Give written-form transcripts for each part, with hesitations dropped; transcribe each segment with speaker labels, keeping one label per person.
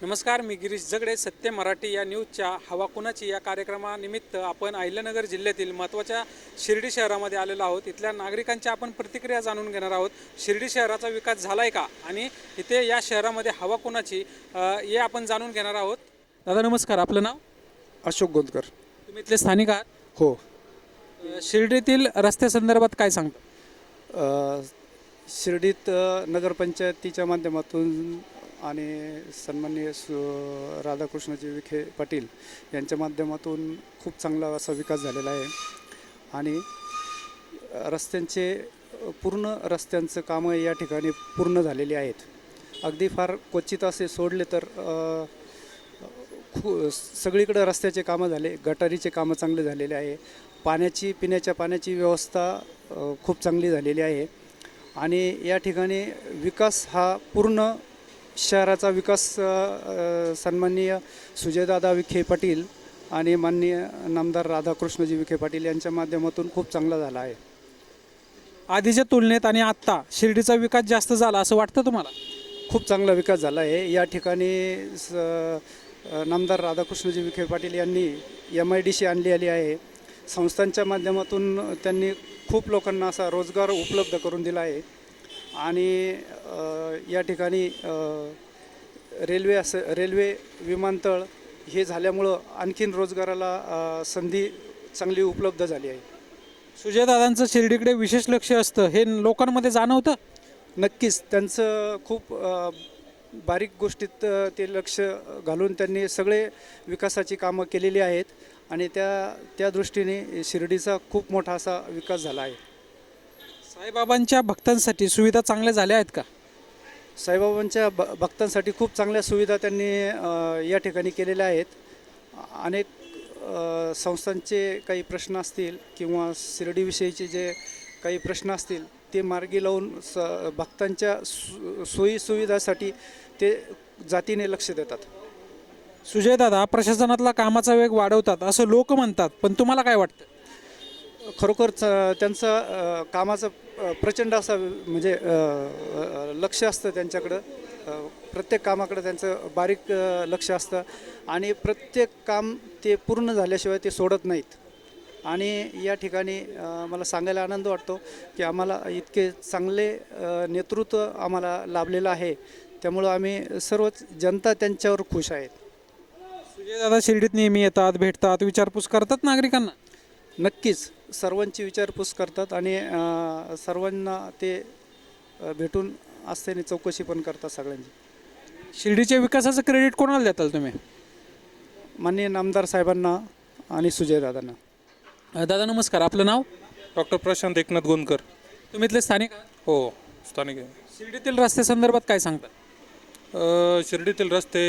Speaker 1: नमस्कार, मी गिरीश जगडे. सत्य मराठी या न्यूजच्या हवा कुणाची या कार्यक्रमानिमित्त आपण अहिल्यानगर जिल्ह्यातील महत्त्वाच्या शिर्डी शहरामध्ये आलेलो आहोत. इथल्या नागरिकांच्या आपण प्रतिक्रिया जाणून घेणार आहोत. शिर्डी शहराचा विकास झाला आहे का आणि इथे या शहरामध्ये हवा कुणाची हे आपण जाणून घेणार आहोत. दादा नमस्कार, आपलं नाव?
Speaker 2: अशोक गोंदकर.
Speaker 1: तुम्ही इथले स्थानिक आहात?
Speaker 2: हो.
Speaker 1: शिर्डीतील रस्त्यासंदर्भात काय सांगता?
Speaker 2: शिर्डीत नगरपंचायतीच्या माध्यमातून आणि सन्माननीय राधाकृष्णजी विखे पाटील यांच्या माध्यमातून खूप चांगला असा विकास झालेला आहे आणि रस्त्यांचं कामं या ठिकाणी पूर्ण झालेली आहेत. अगदी फार क्वचित असे सोडले तर सगळीकडे रस्त्याचे कामं झाले, गटारीचे कामं चांगले झालेले आहे, पिण्याच्या पाण्याची व्यवस्था खूप चांगली झालेली आहे आणि या ठिकाणी विकास हा पूर्ण शहराचा विकास सन्माननीय सुजयदादा विखे पाटील आणि माननीय नामदार राधाकृष्णजी विखे पाटील यांच्या माध्यमातून खूप चांगला झाला आहे.
Speaker 1: आधीच्या तुलनेत आणि आत्ता शिर्डीचा विकास जास्त झाला असं वाटतं तुम्हाला?
Speaker 2: खूप चांगला विकास झाला आहे. या ठिकाणी नामदार राधाकृष्णजी विखे पाटील यांनी MIDC आणली आहे. संस्थांच्या माध्यमातून त्यांनी खूप लोकांना असा रोजगार उपलब्ध करून दिला आहे आणि या ठिकाणी रेल्वे विमानतळ हे झाल्यामुळं आणखीन रोजगाराला संधी चांगली उपलब्ध झाली आहे.
Speaker 1: सुजयदादांचं शिर्डीकडे विशेष लक्ष असतं हे लोकांमध्ये जाणवतं?
Speaker 2: नक्कीच त्यांचं खूप बारीक गोष्टीत ते लक्ष घालून त्यांनी सगळे विकासाची कामं केलेली आहेत आणि त्या दृष्टीने शिर्डीचा खूप मोठा असा विकास झाला आहे.
Speaker 1: साईबाबांच्या भक्तांसाठी सुविधा चांगल्या झाल्या आहेत का?
Speaker 2: साईबाबांच्या भक्तांसाठी खूप चांगल्या सुविधा त्यांनी या ठिकाणी केलेल्या आहेत. अनेक संस्थांचे काही प्रश्न असतील किंवा शिर्डीविषयीचे जे काही प्रश्न असतील ते मार्गी लावून भक्तांच्या सोयीसुविधासाठी ते जातीने लक्ष देतात.
Speaker 1: सुजयदादा प्रशासनातला कामाचा वेग वाढवतात असं लोक म्हणतात, पण तुम्हाला काय वाटतं?
Speaker 2: खरोखर त्यांचं कामाचं प्रचंड असं म्हणजे लक्ष असतं त्यांच्याकडं. प्रत्येक कामाकडं त्यांचं बारीक लक्ष असतं आणि प्रत्येक काम ते पूर्ण झाल्याशिवाय ते सोडत नाहीत. आणि या ठिकाणी मला सांगायला आनंद वाटतो की आम्हाला इतके चांगले नेतृत्व आम्हाला लाभलेलं आहे. त्यामुळं आम्ही सर्वच जनता त्यांच्यावर खुश आहेत.
Speaker 1: सुजयदादा शिर्डीत नेहमी येतात, भेटतात, विचारपूस करतात नागरिकांना?
Speaker 2: नक्कीच सर्वांची विचारपूस करतात आणि सर्वांना ते भेटून असतेने चौकशी पण करतात सगळ्यांची.
Speaker 1: शिर्डीच्या विकासाचं क्रेडिट कोणाला देताल तुम्ही?
Speaker 2: माननीय नामदार साहेबांना आणि सुजयदादांना.
Speaker 1: दादा नमस्कार, आपलं नाव?
Speaker 3: डॉक्टर प्रशांत एकनाथ गोंदकर.
Speaker 1: तुम्ही इथले स्थानिक आहात?
Speaker 3: हो, स्थानिक आहे.
Speaker 1: शिर्डीतील रस्त्यासंदर्भात काय सांगता?
Speaker 3: शिर्डीतील रस्ते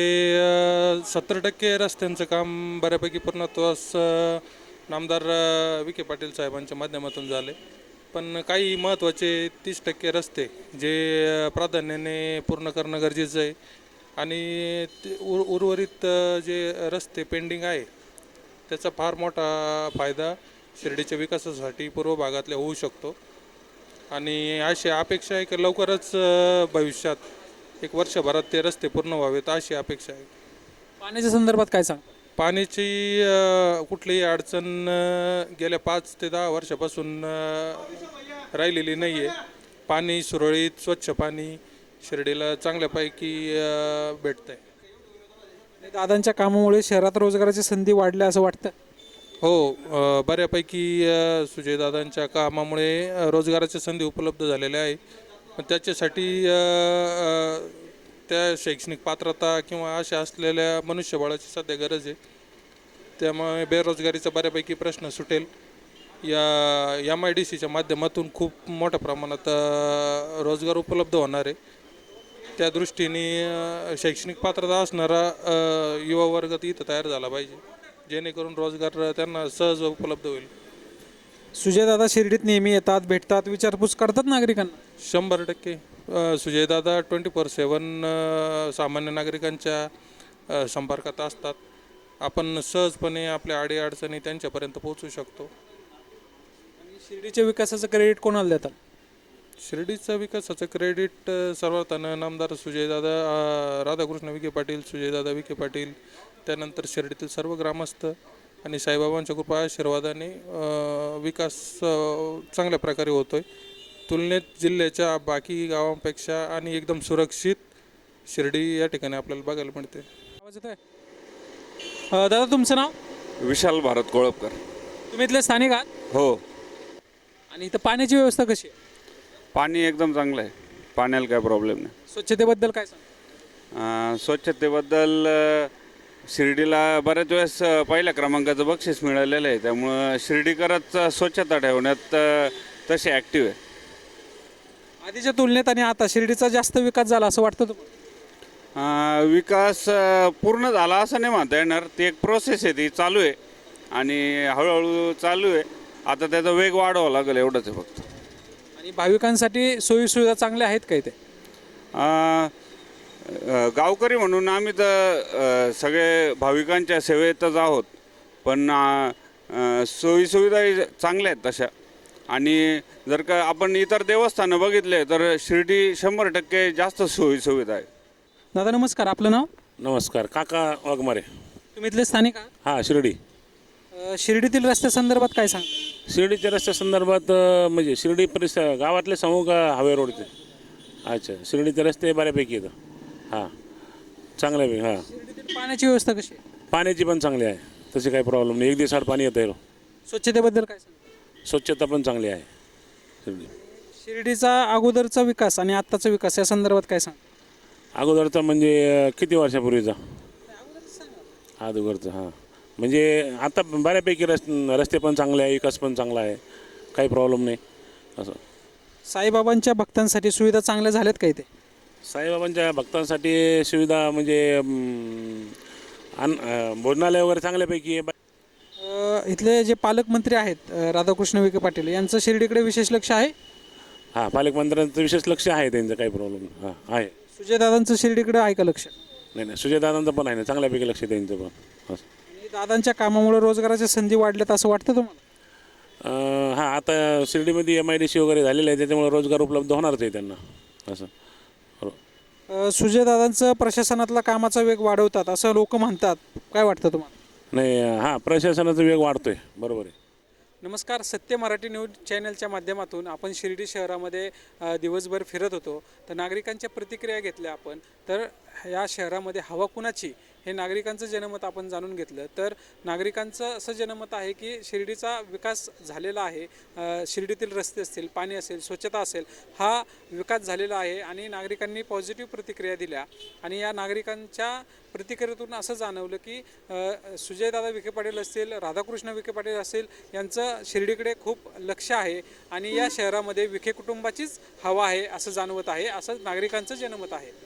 Speaker 3: 70% रस्त्यांचं काम बऱ्यापैकी पूर्णत्वास नामदार विखे पाटील साहेबांच्या माध्यमातून झाले, पण काही महत्त्वाचे 30% रस्ते जे प्राधान्याने पूर्ण करणं गरजेचं आहे आणि उर्वरित जे रस्ते पेंडिंग आहे त्याचा फार मोठा फायदा शिर्डीच्या विकासासाठी पूर्व भागातल्या होऊ शकतो आणि अशी अपेक्षा आहे की लवकरच भविष्यात 1 वर्षभरात ते रस्ते पूर्ण व्हावेत अशी अपेक्षा आहे.
Speaker 1: पाण्याच्या संदर्भात काय सांग?
Speaker 3: पाण्याची कुठलीही अडचण गेल्या 5 ते 10 वर्षापासून राहिलेली नाही आहे. पाणी सुरळीत स्वच्छ पाणी शिर्डीला चांगल्यापैकी भेटतं आहे.
Speaker 1: दादांच्या कामामुळे शहरात रोजगाराच्या संधी वाढल्या असं वाटतं?
Speaker 3: हो, बऱ्यापैकी सुजयदादांच्या कामामुळे रोजगाराच्या संधी उपलब्ध झालेल्या आहे. पण त्याच्यासाठी त्या शैक्षणिक पात्रता किंवा अशा असलेल्या मनुष्यबळाची सध्या गरज आहे. त्यामुळे बेरोजगारीचा बऱ्यापैकी प्रश्न सुटेल. या MIDCच्या माध्यमातून खूप मोठ्या प्रमाणात रोजगार उपलब्ध होणार आहे. त्या दृष्टीने शैक्षणिक पात्रता असणारा युवा वर्ग इथं तयार झाला पाहिजे जेणेकरून रोजगार त्यांना सहज उपलब्ध होईल.
Speaker 1: सुजयदादा शिर्डीत नेहमी येतात, भेटतात, विचारपूस करतात नागरिकांना?
Speaker 3: 100% सुजयदादा 24/7 सामान्य नागरिकांच्या संपर्कात असतात. आपण सहजपणे आपल्या अडीअडचणी त्यांच्यापर्यंत पोहोचू शकतो.
Speaker 1: शिर्डीच्या विकासाचं क्रेडिट कोणाला देतात?
Speaker 3: शिर्डीचा विकासाचं क्रेडिट सर्वात नामदार सुजयदादा राधाकृष्ण विखे पाटील, सुजयदादा विखे पाटील, त्यानंतर शिर्डीतील सर्व ग्रामस्थ आणि साईबाबांच्या कृपा आशीर्वादाने विकास चांगल्या प्रकारे होतो आहे. तुलनेत जिल्ह्याच्या बाकी गावांपेक्षा आणि एकदम सुरक्षित शिर्डी या ठिकाणी आपल्याला बघायला मिळते.
Speaker 1: आवाज येतोय? दादा तुमचं नाव?
Speaker 4: विशाल भारत कोळपकर.
Speaker 1: तुम्ही इथले स्थानिक आहात?
Speaker 4: हो,
Speaker 1: आणि इथं पाण्याची व्यवस्था कशी आहे?
Speaker 4: पाणी एकदम चांगलं आहे, पाण्याला काय प्रॉब्लेम नाही.
Speaker 1: स्वच्छतेबद्दल काय सांग?
Speaker 4: स्वच्छतेबद्दल शिर्डीला बऱ्याच वेळेस पहिल्या क्रमांकाचं बक्षीस मिळालेलं आहे, त्यामुळं शिर्डीकरच स्वच्छता ठेवण्यात तसे ॲक्टिव्ह आहे.
Speaker 1: आधीच्या तुलनेत आणि आता शिर्डीचा जास्त विकास झाला असं वाटतं तुम्हाला?
Speaker 4: विकास पूर्ण झाला असं नाही म्हणता येणार, ती एक प्रोसेस आहे, ती चालू आहे आणि हळूहळू चालू आहे. आता त्याचा वेग वाढवावा लागेल एवढंच आहे फक्त.
Speaker 1: आणि भाविकांसाठी सोयीसुविधा चांगल्या आहेत का इथे?
Speaker 4: गावकरी म्हणून आम्ही तर सगळे भाविकांच्या सेवेतच आहोत, पण सोयीसुविधाही चांगल्या आहेत तशा. आणि जर का आपण इतर देवस्थानं बघितले तर शिर्डी 100% जास्त सोयीसुविधा आहे.
Speaker 1: दादा नमस्कार, आपलं नाव?
Speaker 5: नमस्कार, काका वाघमारे.
Speaker 1: तुम्ही इथले स्थानिक आहात?
Speaker 5: हां, शिर्डी.
Speaker 1: शिर्डीतील रस्त्यासंदर्भात काय सांग?
Speaker 5: शिर्डीच्या रस्त्या संदर्भात म्हणजे शिर्डी परिसर गावातले समूह का हावे रोडचे? अच्छा, शिर्डीचे रस्ते बऱ्यापैकी येतं. हां, चांगल्यापैकी. हां,
Speaker 1: शिर्डीतील पाण्याची व्यवस्था कशी आहे?
Speaker 5: पाण्याची पण चांगली आहे, तशी काही प्रॉब्लेम नाही. एक दिवसाआड पाणी येतं आहे.
Speaker 1: स्वच्छतेबद्दल काय सांग?
Speaker 5: स्वच्छता पण चांगली आहे शिर्डी.
Speaker 1: शिर्डीचा अगोदरचा विकास आणि आत्ताचा विकास या संदर्भात काय सांग?
Speaker 5: अगोदरचा म्हणजे किती वर्षापूर्वीचा? अगोदरचा. हां, म्हणजे आता बऱ्यापैकी रस्ते पण चांगले आहे, विकास पण चांगला आहे, काही प्रॉब्लेम नाही असं.
Speaker 1: साईबाबांच्या भक्तांसाठी सुविधा चांगल्या झाल्यात का इथे?
Speaker 5: साईबाबांच्या भक्तांसाठी सुविधा म्हणजे भोजनालय वगैरे चांगल्यापैकी आहे.
Speaker 1: इथले जे पालकमंत्री आहेत राधाकृष्ण विखे पाटील यांचं शिर्डीकडे विशेष लक्ष आहे?
Speaker 5: हां, पालकमंत्र्यांचं विशेष लक्ष आहे, त्यांचं काही प्रॉब्लेम. हां आहे.
Speaker 1: सुजयदादांचं शिर्डीकडे आहे का लक्ष?
Speaker 5: नाही, सुजयदादांचं पण आहे ना, चांगल्यापैकी लक्ष आहे त्यांचं पण. असं.
Speaker 1: आणि दादांच्या कामामुळे रोजगाराच्या संधी वाढल्यात असं वाटतं तुम्हाला?
Speaker 5: हां, आता शिर्डीमध्ये MIDC वगैरे झालेलं आहे, त्याच्यामुळे रोजगार उपलब्ध होणारच आहे त्यांना असं.
Speaker 1: सुजयदादांचं प्रशासनातला कामाचा वेग वाढवतात असं लोक म्हणतात, काय वाटतं तुम्हाला?
Speaker 5: नाही, हां, प्रशासनाचा वेग वाढतोय, बरोबर आहे.
Speaker 1: नमस्कार, सत्य मराठी न्यूज चॅनलच्या माध्यमातून आपण शिर्डी शहरामध्ये दिवसभर फिरत होतो, तर नागरिकांच्या प्रतिक्रिया घेतल्या आपण. तर या शहरामध्ये हवा कुणाची हे नागरिकांचं जनमत आपण जाणून घेतलं. तर नागरिकांचं असं जनमत आहे की शिर्डीचा विकास झालेला आहे. शिर्डीतील रस्ते असतील, पाणी असेल, स्वच्छता असेल, हा विकास झालेला आहे आणि नागरिकांनी पॉझिटिव्ह प्रतिक्रिया दिल्या. आणि या नागरिकांच्या प्रतिक्रियेतून असं जाणवलं की सुजयदादा विखे पाटील असतील, राधाकृष्ण विखे पाटील असतील, यांचं शिर्डीकडे खूप लक्ष आहे आणि या शहरामध्ये विखे कुटुंबाचीच हवा आहे असं जाणवत आहे, असं नागरिकांचं जनमत आहे.